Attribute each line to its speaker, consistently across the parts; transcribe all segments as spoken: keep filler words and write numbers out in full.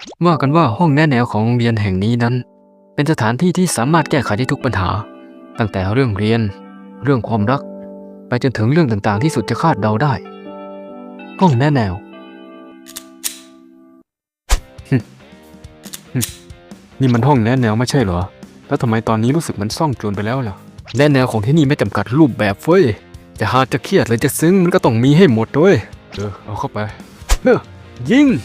Speaker 1: ว่ากันว่าห้องแนะแนวของโรงเรียนแห่งนี้นั้น เป็นสถานที่ที่สามารถแก้ไขได้ทุกปัญหา ตั้งแต่เรื่องเรียน เรื่องความรัก ไปจนถึงเรื่องต่างๆที่สุดจะคาดเดาได้ ห้องแนะแนว นี่มันห้องแนะแนวไม่ใช่เหรอ แล้วทำไมตอนนี้รู้สึกมันซ่องโจรไปแล้วล่ะ แนะแนวของที่นี่ไม่จำกัดรูปแบบเฟ้ย จะหาจะเครียดหรือจะซึ้งมันก็ต้องมีให้หมดด้วยเออเอาเข้าไปเฮ้อยิง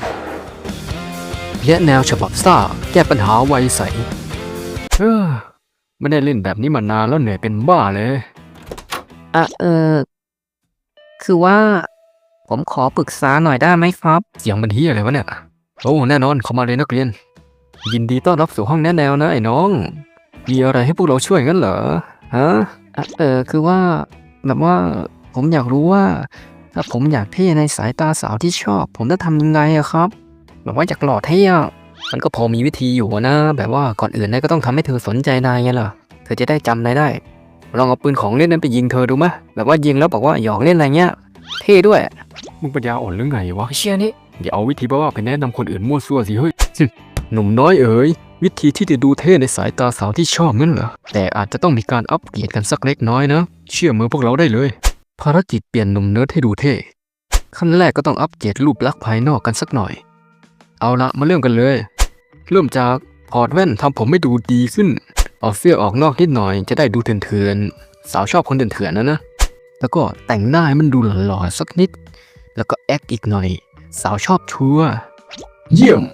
Speaker 1: และแนวฉบับซ่าแก้ปัญหาไวใสเออไม่ได้เล่นแบบนี้มานานแล้วเหนื่อยเป็นบ้าเลยอ่ะเออคือว่า ผมขอปรึกษาหน่อยได้ไหมครับเสียงมันเฮียอะไรวะเนี่ยโอ้แน่นอนเข้ามาเลยนักเรียนยินดีต้อนรับสู่ห้องแนะแนวนะไอ้น้องมีอะไรให้พวกเราช่วยงั้นเหรอฮะอ่ะเออคือว่าแบบว่าผมอยากรู้ว่าถ้าผมอยากเท่ในสายตาสาวที่ชอบผมจะทำยังไงอะครับแบบว่าอยากหล่อเท่อะมันก็พอมีวิธีอยู่นะแบบว่าก่อนอื่นนายก็ต้องทำให้เธอสนใจนายไงล่ะเธอจะได้จำนายได้ลองเอาปืนของเล่นนั้นไปยิงเธอดูมะแบบว่ายิงแล้วบอกว่าหยอกเล่นอะไรเงี้ยเท่ด้วยมึงปัญญาอ่อนหรือไงวะเชี่ยนี่อย่าเอาวิธีบ้าๆไปแนะนำคนอื่นมั่วซั่วสิเฮ้ยหนุ่มน้อยเอ๋ยวิธีที่จะดูเท่ในสายตาสาวที่ชอบงั้นเหรอแต่อาจจะต้องมีการอัปเกรดกันสักเล็กน้อยนะเชื่อมือพวกเราได้เลยภารกิจเปลี่ยนหนุ่มเนิร์ดให้ดูเท่ขั้นแรกก็ต้องอัปเกรดรูปลักษณ์ภายนอกกันสักหน่อยเอาละมาเริ่มกันเลยเริ่มจากถอดแว่นทำผมให้ดูดีขึ้นเอาเสื้อออกนอกนิดหน่อยจะได้ดูเถื่อนๆสาวชอบคนเถื่อนๆนะนะแล้วก็แต่งหน้าให้มันดูหล่อๆสักนิดแล้วก็แอคอีกหน่อยสาวชอบชัวร์เยี่ยม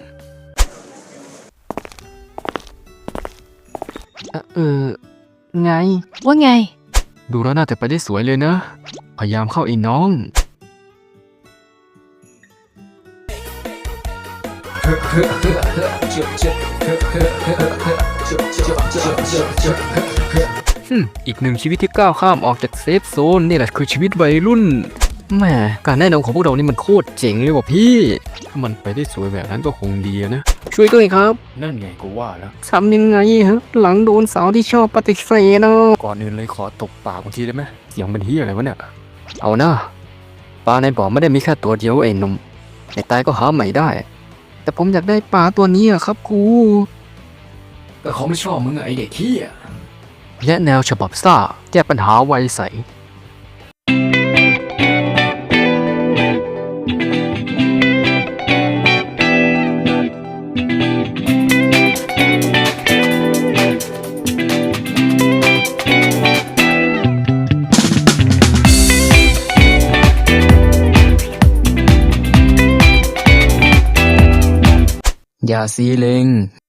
Speaker 1: เออไง
Speaker 2: ว่าไง
Speaker 1: ดูแล้วน่าจะไปได้สวยเลยนะพยายามเข้าไอ้น้องอีกหนึ่งชีวิตที่ก้าวข้ามออกจากเซฟโซนนี่แหละคือชีวิตวัยรุ่นแหมการแนะนำของพวกเรานี่มันโคตรเจ๋งเลยว่ะพี่ถ้ามันไปได้สวยแบบนั้นก็คงดีนะช่วยด้วยครับนั่นไงกูว่าแล้วทำยังไงฮะหลังโดนสาวที่ชอบปฏิเสธนะก่อนอื่นเลยขอตบปากบางทีได้ไหมเสียงมันเฮียอะไรวะเนี่ยเอานะปลาในบ่อไม่ได้มีแค่ตัวเดียวไอ้หนุ่มในตายก็หาใหม่ได้แต่ผมอยากได้ปลาตัวนี้อะครับครูก็เขาไม่ชอบมึงไอเด็กเฮียและแนวฉบับซ่าแก้ปัญหาไวใสอย่าซีเลง